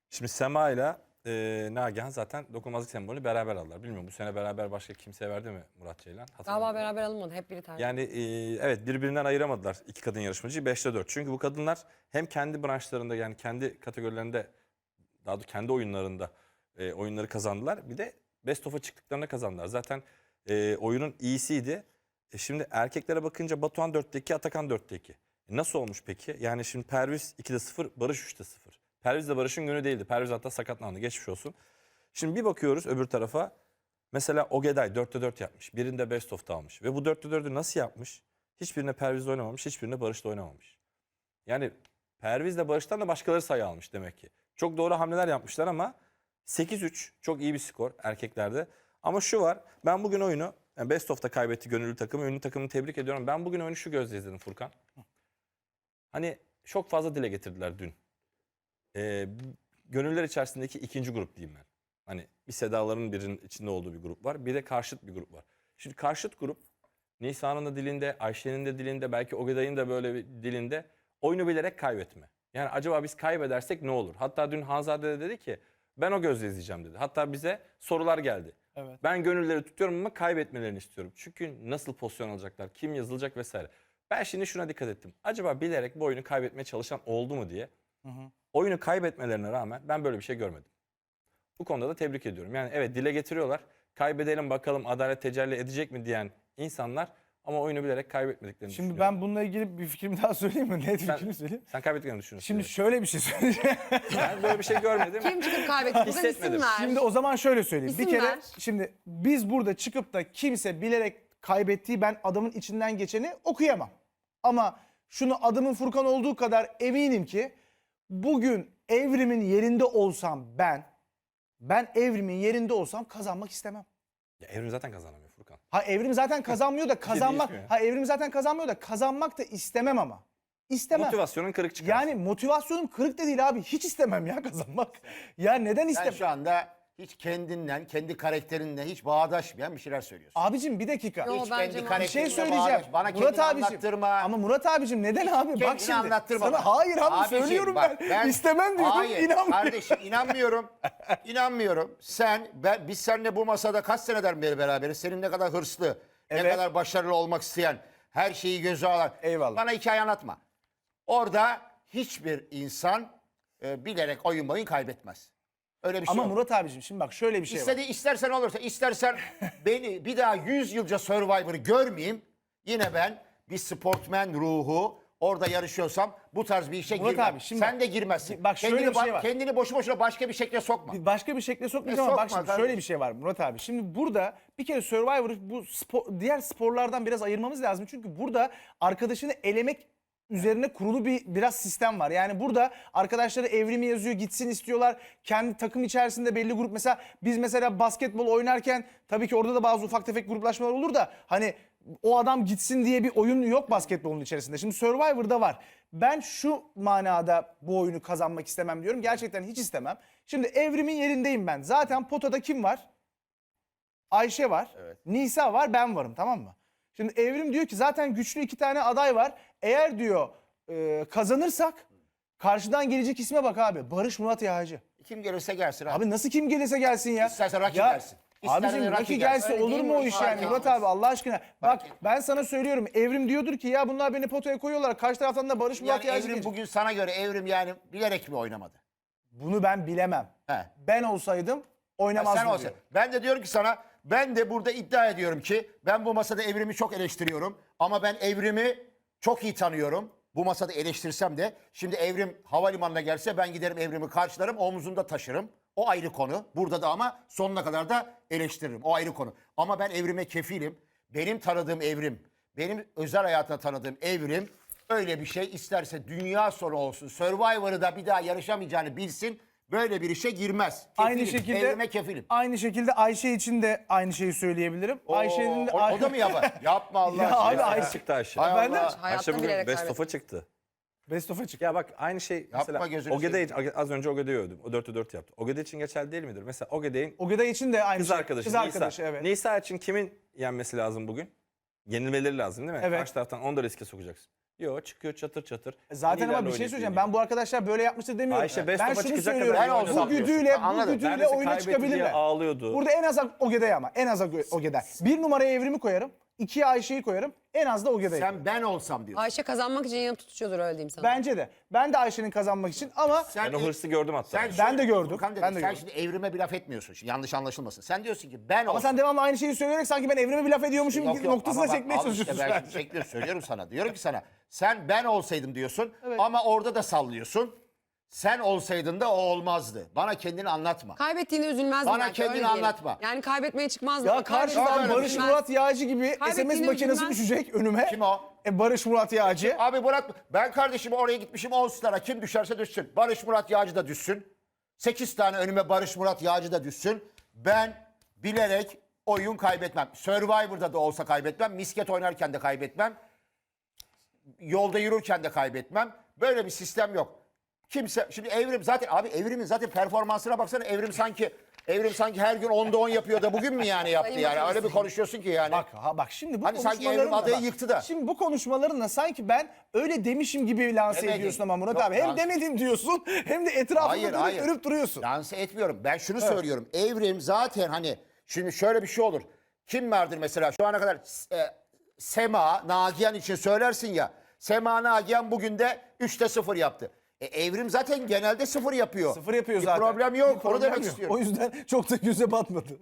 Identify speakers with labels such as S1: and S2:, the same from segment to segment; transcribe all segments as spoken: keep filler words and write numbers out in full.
S1: Şimdi Sema ile e, Nagihan zaten dokunulmazlık sembolü beraber aldılar. Bilmiyorum bu sene beraber başka kimseye verdi mi Murat Ceylan?
S2: Galiba beraber alınmadı. Hep biri tercih.
S1: Yani e, evet birbirinden ayıramadılar iki kadın yarışmacıyı beşte dört. Çünkü bu kadınlar hem kendi branşlarında yani kendi kategorilerinde daha doğrusu kendi oyunlarında e, oyunları kazandılar. Bir de Best of'a çıktıklarında kazandılar. Zaten e, oyunun iyisiydi. E, şimdi erkeklere bakınca Batuhan dörtte iki, Atakan dörtte iki. E, nasıl olmuş peki? Yani şimdi Perviz ikide sıfır, Barış üçte sıfır. Perviz de Barış'ın günü değildi. Perviz hatta sakatlandı. Geçmiş olsun. Şimdi bir bakıyoruz öbür tarafa. Mesela Ogeday dörtte dört yapmış. Birinde Best of'ta almış. Ve bu dörtte dördü nasıl yapmış? Hiçbirine Perviz'le oynamamış, hiçbirine Barış'la oynamamış. Yani Perviz'le Barış'tan da başkaları sayı almış demek ki. Çok doğru hamleler yapmışlar ama sekiz üç çok iyi bir skor erkeklerde. Ama şu var, ben bugün oyunu yani Best of'ta kaybetti gönüllü takımı. Ünlü takımını tebrik ediyorum. Ben bugün oyunu şu gözle izledim Furkan. Hani çok fazla dile getirdiler dün. Ee, gönüllüler içerisindeki ikinci grup diyeyim ben. Hani bir Sedaların birinin içinde olduğu bir grup var. Bir de karşıt bir grup var. Şimdi karşıt grup Nisa'nın da dilinde, Ayşe'nin de dilinde, belki Ogeday'ın da böyle bir dilinde oyunu bilerek kaybetme. Yani acaba biz kaybedersek ne olur? Hatta dün Hanzade de dedi ki ben o gözle izleyeceğim dedi. Hatta bize sorular geldi. Evet. Ben gönülleri tutuyorum ama kaybetmelerini istiyorum. Çünkü nasıl pozisyon alacaklar, kim yazılacak vesaire. Ben şimdi şuna dikkat ettim. Acaba bilerek bu oyunu kaybetmeye çalışan oldu mu diye. Hı hı. Oyunu kaybetmelerine rağmen ben böyle bir şey görmedim. Bu konuda da tebrik ediyorum. Yani evet dile getiriyorlar. Kaybedelim bakalım adalet tecelli edecek mi diyen insanlar ama oyunu bilerek kaybetmediklerini
S3: Şimdi
S1: düşünüyorum.
S3: ben bununla ilgili bir fikrimi daha söyleyeyim mi? Net
S1: Sen-
S3: fikrimi söyleyeyim.
S1: Sen kaybettiklerini düşünüyorsun.
S3: Şimdi
S1: direkt.
S3: şöyle bir şey söyleyeceğim.
S1: Ben böyle bir şey görmedim.
S2: Kim çıkıp kaybetti? Buradan isim
S1: Hissetmedim.
S2: ver.
S3: Şimdi o zaman şöyle söyleyeyim.
S2: İsim
S3: bir kere
S2: ver.
S3: şimdi biz burada çıkıp da kimse bilerek kaybettiği ben adamın içinden geçeni okuyamam. Ama şunu adımın Furkan olduğu kadar eminim ki bugün Evrim'in yerinde olsam ben ben Evrim'in yerinde olsam kazanmak istemem.
S1: Ya Evrim zaten kazanamıyor Furkan.
S3: Ha Evrim zaten kazanmıyor da kazanmak.
S1: değişmiyor.
S3: Ha Evrim zaten kazanmıyor da kazanmak da istemem ama. İstemem.
S1: Motivasyonun kırık çıkar.
S3: Yani motivasyonum kırık da değil abi. Hiç istemem ya kazanmak. Ya neden
S4: Sen
S3: istemem?
S4: şu anda hiç kendinden, kendi karakterinle hiç bağdaşmayan bir şeyler söylüyorsun.
S3: Abicim bir dakika.
S2: Yo,
S4: hiç
S2: bence
S4: kendi
S2: mantıklı.
S3: Bir şey
S4: karakterinle
S3: söyleyeceğim.
S4: bağdaş. Bana
S3: Murat
S4: kendini
S3: abicim.
S4: anlattırma.
S3: Ama Murat abicim neden abi?
S4: Kendini
S3: Bak şimdi.
S4: anlattırma
S3: Sana,
S4: bana.
S3: hayır abi
S4: Abicim,
S3: söylüyorum
S4: bak,
S3: ben. İstemem diyorum
S4: Hayır
S3: inanmıyorum.
S4: kardeşim inanmıyorum. İnanmıyorum. Sen, ben, biz seninle bu masada kaç seneden beri beraberiz. Senin ne kadar hırslı, ne
S3: Evet.
S4: kadar başarılı olmak isteyen, her şeyi göze alan.
S3: Eyvallah.
S4: Bana hikaye anlatma. Orada hiçbir insan e, bilerek oyun boyun kaybetmez. Öyle bir şey
S3: Ama
S4: yok.
S3: Murat abicim şimdi bak şöyle bir şey var.
S4: İstedi, istersen olursa, istersen beni bir daha yüz yılca Survivor'ı görmeyeyim. Yine ben bir sportmen ruhu orada yarışıyorsam bu tarz bir işe
S3: Murat
S4: girmem.
S3: abi, şimdi
S4: Sen
S3: bak-
S4: de girmezsin.
S3: bak şöyle
S4: kendini,
S3: bir şey
S4: ba-
S3: var.
S4: kendini boşu boşuna başka bir şekle sokma.
S3: Başka bir şekilde sokmayacağım
S4: E,
S3: ama bak
S4: sokma
S3: şimdi
S4: kardeşim.
S3: şöyle bir şey var Murat abi. Şimdi burada bir kere Survivor'ı bu spor, diğer sporlardan biraz ayırmamız lazım. Çünkü burada arkadaşını elemek üzerine kurulu bir biraz sistem var. Yani burada arkadaşları Evrimi yazıyor gitsin istiyorlar. Kendi takım içerisinde belli grup mesela biz mesela basketbol oynarken tabii ki orada da bazı ufak tefek gruplaşmalar olur da hani o adam gitsin diye bir oyun yok basketbolun içerisinde. Şimdi Survivor'da var. Ben şu manada bu oyunu kazanmak istemem diyorum. Gerçekten hiç istemem. Şimdi Evrim'in yerindeyim ben. Zaten potada kim var? Ayşe var. Nisa var, ben varım, tamam mı? Şimdi Evrim diyor ki zaten güçlü iki tane aday var. Eğer diyor e, kazanırsak karşıdan gelecek isme bak abi. Barış Murat Yağcı.
S4: Kim gelirse gelsin abi.
S3: Abi nasıl kim gelirse gelsin ya.
S4: İsterse rakip
S3: Ya,
S4: gelsin. İsterse
S3: Abicim
S4: rakip
S3: Rocky
S4: gelsin.
S3: gelse
S4: Öyle
S3: olur
S4: değil
S3: mu
S4: mi?
S3: o iş
S4: Fark
S3: yani Murat
S4: etmez.
S3: abi Allah aşkına. Bak
S4: etmez.
S3: ben sana söylüyorum Evrim diyordur ki ya bunlar beni potaya koyuyorlar. Karşı taraftan da Barış Murat
S4: Yani
S3: Yağcı
S4: Evrim
S3: gelecek.
S4: bugün sana göre Evrim yani bilerek mi oynamadı?
S3: Bunu ben bilemem.
S4: He.
S3: Ben olsaydım
S4: Ha,
S3: oynamazdım
S4: sen olsa.
S3: diyor.
S4: Ben de diyorum ki sana ben de burada iddia ediyorum ki ben bu masada Evrim'i çok eleştiriyorum. Ama ben Evrim'i çok iyi tanıyorum. Bu masada eleştirsem de şimdi Evrim havalimanına gelse ben giderim Evrim'i karşılarım omzumda taşırım. O ayrı konu. Burada da ama sonuna kadar da eleştiririm. O ayrı konu. Ama ben Evrim'e kefilim. Benim tanıdığım Evrim, benim özel hayatında tanıdığım Evrim öyle bir şey isterse dünya sonu olsun. Survivor'ı da bir daha yarışamayacağını bilsin. Böyle bir işe girmez. Kefilim.
S3: Aynı şekilde
S4: Evrime kefilim.
S3: Aynı şekilde Ayşe için de aynı şeyi söyleyebilirim.
S4: Oo,
S3: Ayşe'nin de
S4: o, o da mı yapar? Yapma Allah
S3: Ya
S4: aşkına.
S3: abi,
S4: ya.
S3: Ayşe-
S1: çıktı Ayşe.
S4: Hay
S3: Ben de-
S4: Allah.
S2: Hayatta
S1: Ayşe bugün
S2: bilerek
S1: Best
S2: kaybettim.
S1: of'a çıktı.
S3: Best of'a çıktı.
S1: Ya bak aynı şey mesela
S4: gözünü
S1: Ogeday az önce Ogeday'ı övdüm. O dörtte dört yaptı. Ogeday için geçerli değil midir? Mesela Ogeday'in
S3: Ogeday için de aynı
S1: kız
S3: şey.
S1: arkadaşı
S3: Kız
S1: Nisa.
S3: arkadaşı evet.
S1: Nisa için kimin yenmesi lazım bugün? Yenilmeleri lazım değil mi?
S3: Evet.
S1: Karşı taraftan onu da riske sokacaksın. Yok, çıkıyor çatır çatır.
S3: Zaten ama
S1: Liderle
S3: bir şey
S1: oynayıp
S3: söyleyeceğim.
S1: yeniyor.
S3: Ben bu arkadaşlar böyle yapmıştır demiyorum.
S1: Ayşe best
S3: ben
S1: of'a
S3: şunu
S1: çıkacak
S3: söylüyorum.
S1: kadar
S4: Ben
S1: oynadı
S3: Bu
S4: olsam
S3: güdüyle,
S4: diyorsun.
S3: bu
S4: Anladım.
S3: güdüyle
S1: Neredeyse
S3: oyuna
S1: kaybetti diye
S3: çıkabilirler.
S1: ağlıyordu.
S3: Burada en az Ogeda'ya ama. En az Ogeda. Bir numaraya Evrim'i koyarım. ikiye Ayşe'yi koyarım. En az da Ogeda'yı.
S4: Sen ben olsam diyorsun.
S2: Ayşe kazanmak için yanıp tutuşuyordur öyle diyeyim sana.
S3: Bence de. Ben de Ayşe'nin kazanmak için ama
S4: Sen
S1: Ben o hırsı gördüm hatta.
S4: Sen
S3: Ben
S4: şöyle-
S3: de gördüm.
S4: Furkan dedim,
S3: Ben de
S4: sen
S3: gördüm.
S4: şimdi evrime bir laf etmiyorsun. Şimdi yanlış anlaşılmasın. Sen diyorsun ki ben
S3: ama
S4: olsam.
S3: sen devamlı aynı şeyi söyleyerek sanki ben Evrim'e bir laf ediyormuşum
S4: Yok,
S3: gibi
S4: yok.
S3: noktasına
S4: Ama bak,
S3: çekmeye
S4: al işte
S3: çalışıyorsun.
S4: ben
S3: sen.
S4: şimdi çekiyorum, söylüyorum sana. Diyorum ki sana sen ben olsaydım diyorsun ama orada da sallıyorsun. Sen olsaydın da o olmazdı. Bana kendini anlatma.
S2: Kaybettiğine üzülmez
S4: Bana
S2: belki,
S4: kendini
S2: öyle diyelim.
S4: anlatma.
S2: Yani kaybetmeye çıkmaz.
S3: Ya karşıdan
S4: öyle
S3: Barış
S4: üzülmez.
S3: Murat Yağcı gibi S M S
S2: Kaybettiğini
S3: makinesi
S2: üzülmez.
S3: düşecek önüme.
S4: Kim o?
S3: E, Barış Murat Yağcı.
S4: Abi Murat ben kardeşim oraya gitmişim on star'a kim düşerse düşsün. Barış Murat Yağcı da düşsün. sekiz tane önüme Barış Murat Yağcı da düşsün. Ben bilerek oyun kaybetmem. Survivor'da da olsa kaybetmem. Misket oynarken de kaybetmem. Yolda yürürken de kaybetmem. Böyle bir sistem yok. Kimse şimdi Evrim zaten abi Evrim'in zaten performansına baksana Evrim sanki Evrim sanki her gün onda on yapıyor da bugün mü yani yaptı
S2: Sayın
S4: yani
S2: Bakanım.
S4: öyle bir konuşuyorsun ki yani.
S3: Bak ha bak şimdi bu
S4: Hani sanki
S3: konuşmalarınla
S4: Evrim adayı
S3: bak,
S4: yıktı da.
S3: Şimdi bu konuşmalarınla sanki ben öyle demişim gibi lanse
S4: Demedin.
S3: ediyorsun ama Murat
S4: Yok,
S3: abi. Hem
S4: lanse-
S3: demedim diyorsun hem de etrafında
S4: Hayır
S3: dönüp
S4: hayır.
S3: dönüp duruyorsun.
S4: Lanse etmiyorum. Ben şunu söylüyorum. Evrim zaten hani şimdi şöyle bir şey olur. Kim vardır mesela şu ana kadar e, Sema, Nagihan için söylersin ya. Sema, Nagihan bugün de üçte sıfır yaptı. E, Evrim zaten genelde sıfır yapıyor.
S3: Sıfır yapıyor
S4: bir
S3: zaten.
S4: problem yok.
S3: Bir
S4: Onu
S3: problem
S4: demek
S3: yok.
S4: istiyorum.
S3: O yüzden çok da göze batmadı.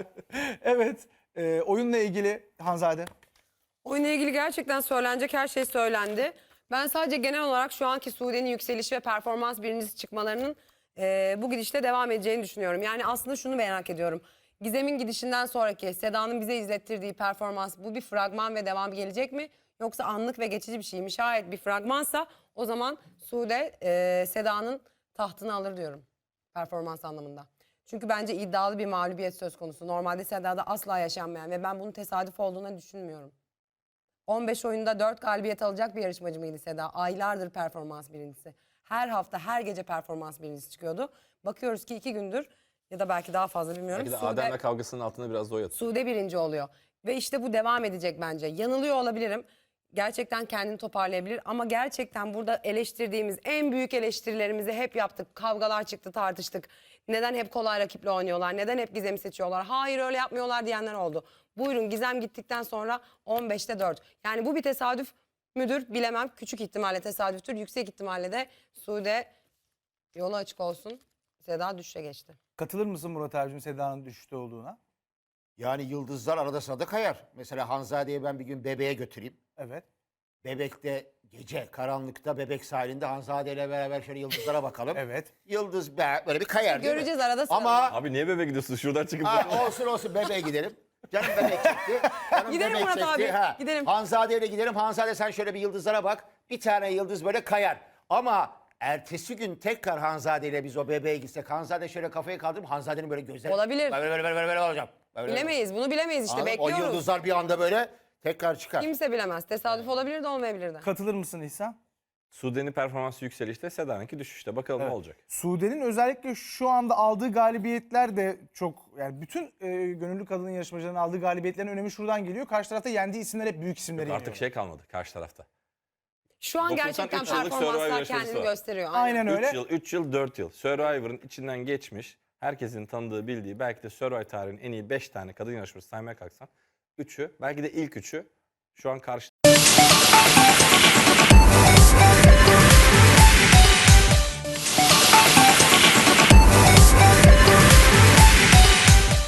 S3: Evet. e, oyunla ilgili Hanzade.
S2: Oyunla ilgili gerçekten söylenecek her şey söylendi. Ben sadece genel olarak şu anki Sude'nin yükselişi ve performans birincisi çıkmalarının e, bu gidişte devam edeceğini düşünüyorum. Yani aslında şunu merak ediyorum. Gizem'in gidişinden sonraki Seda'nın bize izlettirdiği performans bu bir fragman ve devam gelecek mi? Yoksa anlık ve geçici bir şey mi? Şayet bir fragmansa o zaman Sude e, Seda'nın tahtını alır diyorum performans anlamında. Çünkü bence iddialı bir mağlubiyet söz konusu. Normalde Seda'da asla yaşanmayan ve ben bunun tesadüf olduğuna düşünmüyorum. on beş oyunda dört galibiyet alacak bir yarışmacı mıydı Seda? Aylardır performans birincisi. Her hafta, her gece performans birincisi çıkıyordu. Bakıyoruz ki iki gündür ya da belki daha fazla bilmiyorum.
S1: Belki de
S2: Sude,
S1: Adem'le kavgasının altında biraz da o yatıyor.
S2: Sude birinci oluyor. Ve işte bu devam edecek bence. Yanılıyor olabilirim. Gerçekten kendini toparlayabilir. Ama gerçekten burada eleştirdiğimiz en büyük eleştirilerimizi hep yaptık. Kavgalar çıktı, tartıştık. Neden hep kolay rakiple oynuyorlar? Neden hep Gizem'i seçiyorlar? Hayır öyle yapmıyorlar diyenler oldu. Buyurun Gizem gittikten sonra on beşte dört. Yani bu bir tesadüf müdür bilemem. Küçük ihtimalle tesadüftür. Yüksek ihtimalle de Sude yolu açık olsun. Seda düşüşe geçti.
S3: Katılır mısın Murat abicim Seda'nın düşüşte olduğuna?
S4: Yani yıldızlar arada sırada kayar. Mesela Hanzade'yi ben bir gün bebeğe götüreyim.
S3: Evet.
S4: Bebekte gece karanlıkta Bebek sahilinde Hanzade ile beraber şöyle yıldızlara bakalım.
S3: Evet.
S4: Yıldız be- böyle bir kayar değil mi?
S2: Göreceğiz arada sırada.
S4: Ama
S1: Abi niye bebe gidiyorsun? Şuradan çıkıp
S4: ha, olsun olsun bebeğe gidelim. Canım bebek çekti. Canım
S2: Gidelim
S4: bebek
S2: Murat
S4: çekti.
S2: abi,
S4: Ha.
S2: gidelim.
S4: Hanzade ile gidelim. Hanzade sen şöyle bir yıldızlara bak. Bir tane yıldız böyle kayar. Ama ertesi gün tekrar Hanzade ile biz o bebeğe gitsek Hanzade şöyle kafayı kaldırıp Hanzade'nin böyle gözleri
S2: Olabilir.
S4: böyle böyle böyle böyle, böyle olacak. Böyle,
S2: Bilemeyiz. Bunu bilemeyiz işte.
S4: Anladın mı? O
S2: Bekliyoruz.
S4: yıldızlar bir anda böyle tekrar çıkar.
S2: Kimse bilemez. Tesadüf olabilir de olmayabilir de.
S3: Katılır mısın İhsan?
S1: Sude'nin performansı yükselişte, Seda'nınki düşüşte. Bakalım ne olacak.
S3: Sude'nin özellikle şu anda aldığı galibiyetler de çok yani bütün e, gönüllü kadın yarışmacıların aldığı galibiyetlerin önemi şuradan geliyor. Karşı tarafta yendiği isimler hep büyük isimleri
S1: Artık
S3: yeniyor.
S1: şey kalmadı karşı tarafta.
S2: Şu an
S1: doksan
S2: gerçekten
S1: üç yıllık Survivor
S2: performanslar
S1: yarışmacısı
S2: kendini
S1: var.
S2: gösteriyor.
S3: Aynen öyle.
S1: üç yıl, üç yıl, dört yıl. Survivor'ın içinden geçmiş, herkesin tanıdığı, bildiği, belki de Survivor tarihinin en iyi beş tane kadın yarışmacısı saymaya kalksan, üçü, belki de ilk üçü şu an karşı